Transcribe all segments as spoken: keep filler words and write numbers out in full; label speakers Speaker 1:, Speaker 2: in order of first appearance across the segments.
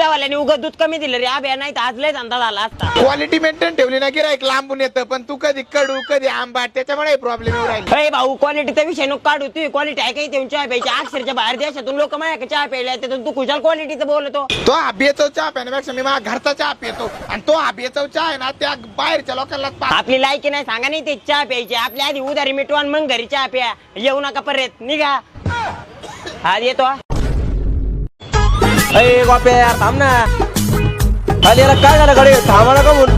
Speaker 1: दुधावाल्याने उगत दूध कमी दिलं रे आब्या, नाही तर आज लय धंदा झाला असता.
Speaker 2: क्वालिटी मेंटेन ठेवली ना गिराईक लांबून येतं, पण तू कधी कडू कधी आंबाट, त्याच्यामुळे प्रॉब्लेम येऊ राहिला.
Speaker 1: अरे भाऊ क्वालिटीचा विषय नको काढू, तू क्वालिटी आहे काही तेवढी चहा प्यायची. अक्षरच्या बाहेर देशातून लोक माझ्या चहा प्यायला तू कुशाल क्वालिटीचं बोलतो.
Speaker 2: तो आबियाचा चहा पिण्यापेक्षा मी माझ्या घरचा चहा पितो, आणि तो आबियाचा चहा आहे ना त्या बाहेरच्या लोकांना.
Speaker 1: आपली लायकी नाही सांगा नाही ते चहा प्यायची, आपल्या आधी उधारी मिटवान मग घरी चहा प्या. येऊ नका परत, निघा. हा येतो.
Speaker 3: अरे बापे यार थांब ना, खाली याला काय झालं गाडी थांबा का म्हणून.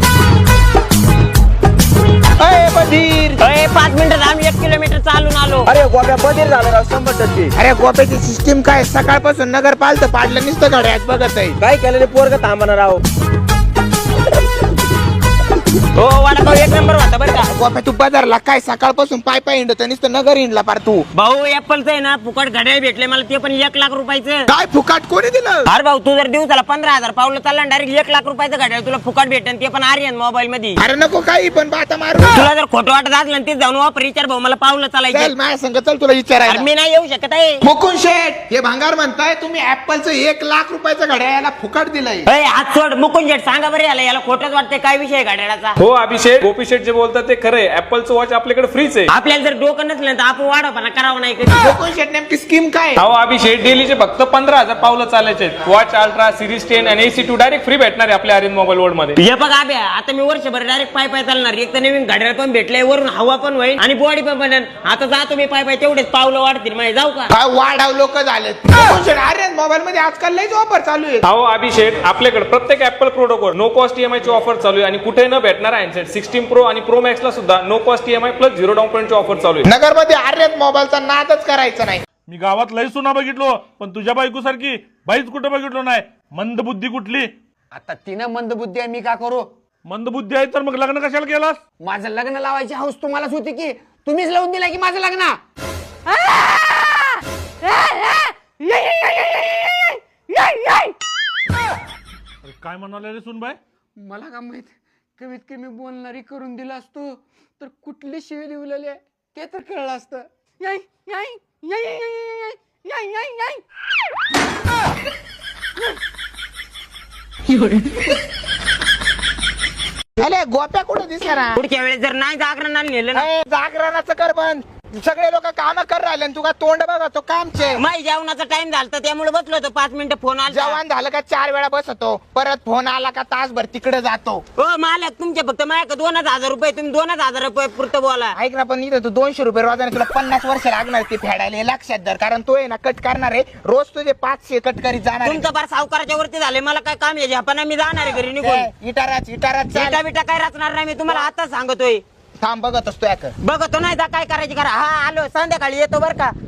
Speaker 3: अरे बधीर,
Speaker 1: अरे पाच मिनिटं आम्ही एक किलोमीटर चालून आलो.
Speaker 3: अरे गोप्या बधीर झालं राव शंभर टक्के.
Speaker 2: अरे गोप्याची सिस्टीम काय, सकाळपासून नगर पालतं पाडलं नुसतं घड्यात बघत आहे.
Speaker 3: काय केलेले पोरग थांबा राव.
Speaker 1: हो वडापाव एक नंबर होता बरं का.
Speaker 2: गोप्या तू बाजारला काय सकाळपासून पाय पाय हिंडत नुसतं नगर हिंडला पार तू.
Speaker 1: भाऊ ऍपलचं आहे ना फुकट घड्याळ भेटले मला, ते पण एक लाख रुपयाचं.
Speaker 2: काय फुकाट कोणी दिलं?
Speaker 1: अरे भाऊ तू जर दिवसाला पंधरा हजार पावलं चालला डायरेक्ट एक लाख रुपयाचं घड्याळ तुला फुकट भेटेल, ते पण आर्यन मोबाईल मध्ये.
Speaker 2: अरे नको काही पण बाता मारू.
Speaker 1: तुला जर खोटं वाटत असलं ते जाऊन वापर विचार भाऊ मला पावलं
Speaker 2: चल
Speaker 1: चालायचं.
Speaker 2: माझ्या संग चल तुला विचारायला.
Speaker 1: मी नाही येऊ शकत आहे.
Speaker 2: मुकुंद शेठ हे भांगार म्हणताय तुम्ही ऍपलचं एक लाख रुपयाचं घड्याळ याला फुकट दिलंय.
Speaker 1: अरे हात सोड मुकुंद शेठ, सांगा बरं याला याला खोटंच वाटतंय. काय विषय घड्याळाचा?
Speaker 4: हो अभिषेक, गोपी शेठ जे बोलतात ते खरंय. ऍपलचं वॉच आपल्याकडे फ्रीच आहे.
Speaker 1: आपल्याला जर डोकं नसलं तर आपण वाढवपणा करावं नाही कधी.
Speaker 2: मुकुंद शेठ नेमकी स्कीम काय?
Speaker 4: अहो अभिषेक, डेलीचे फक्त पंधरा हजार पावलं चालायचे. वॉच अल्ट्रा सिरीज टेन आणि एसी टू डायरेक्ट फ्री भेटणार आहे आपल्या आर्यन मोबाईल वर्ल्ड मध्ये.
Speaker 1: हे बघ आब्या, आता मी वर्षभर डायरेक्ट पाय पाय चालणार. एक तर नवीन घड्याळ पण भेटलंय, वरून हवा पण होईल आणि बॉडी पण बनेल. आता जातो मी पाय पाय, तेवढेच पावलं वाढतील माझे. जाऊ का?
Speaker 2: काय वाढाव लोक झालेत. मुकुंद शेठ आर्यन मोबाईल मध्ये आजकाल लयच ऑफर चालू आहे.
Speaker 4: अहो अभिषेक, आपल्याकडे प्रत्येक ऍपल प्रोडक्ट वर नो कॉस्ट ईएमआय ची ऑफर चालू आहे आणि कुठे न भेटणार हँडसेट सिक्स्टीन प्रो आणि प्रो मॅक्स ला सुद्धा no cost EMI plus zero down payment ची ऑफर चालू आहे.
Speaker 2: नगर मध्ये आर्यन मोबाईलचा नादच करायचा नाही.
Speaker 5: मी गावात लय सुना बघितलो, पण तुझ्या बायको सारखी बाईच कुठे बघितलो नाही. मंदबुद्धी कुठली?
Speaker 6: आता तिनं मंदबुद्धी आहे, मी का करू?
Speaker 5: मंदबुद्धी आहे तर मग लग्न कशाला केलास?
Speaker 6: माझं लग्न लावायची हौस तुम्हालाच होती की तुम्हीच लावून दिला की माझं लग्न.
Speaker 5: अरे काय म्हणाले रे सुनबाई?
Speaker 6: मला का माहित, कमीत कमी बोलणारी करून दिला असतो तर कुठली शिवी लिवलेली आहे ते तर कळलं असतं. याय याय याय याय याय याय याय.
Speaker 2: अरे गोप्या कुठं दिसणार?
Speaker 1: पुढच्या वेळेस जर नाही जागरणाला नेलं ना,
Speaker 2: अरे जागरणाचं कर बंद. सगळे लोक काम कर राहिले आणि तुका तोंड बघा तो कामचे.
Speaker 1: माही जेवणाचा टाइम झाला त्यामुळे बसलो होतो. पाच मिनिटं फोन आला.
Speaker 2: जेवण झालं का चार वेळा बसतो, परत फोन आला का तासभर तिकडे जातो.
Speaker 1: हो मालक, तुमच्या फक्त माझ्याकडे दोनच हजार रुपये, तुम्ही दोनच हजार रुपये पुरतं बोला.
Speaker 2: ऐक ना, पण इथं तू दोनशे रुपये रोजाने तुला पन्नास वर्ष लागणार ते फेडायला, हे लक्षात धर. कारण तो आहे ना कट करणार आहे रोज, तुझे पाचशे कट करीत जाणार.
Speaker 1: तुमचं फार सावकाराच्या वरती झाले, मला काय काम आहे पण मी जाणार आहे घरी निघून.
Speaker 2: इटाराच इटाराच
Speaker 1: बिटा बिटा काय रचणार नाही मी तुम्हाला आता सांगतोय.
Speaker 2: थांब बघत असतो याक
Speaker 1: बघतो नाही काय करायची करा. हा आलो, संध्याकाळी येतो बरं का.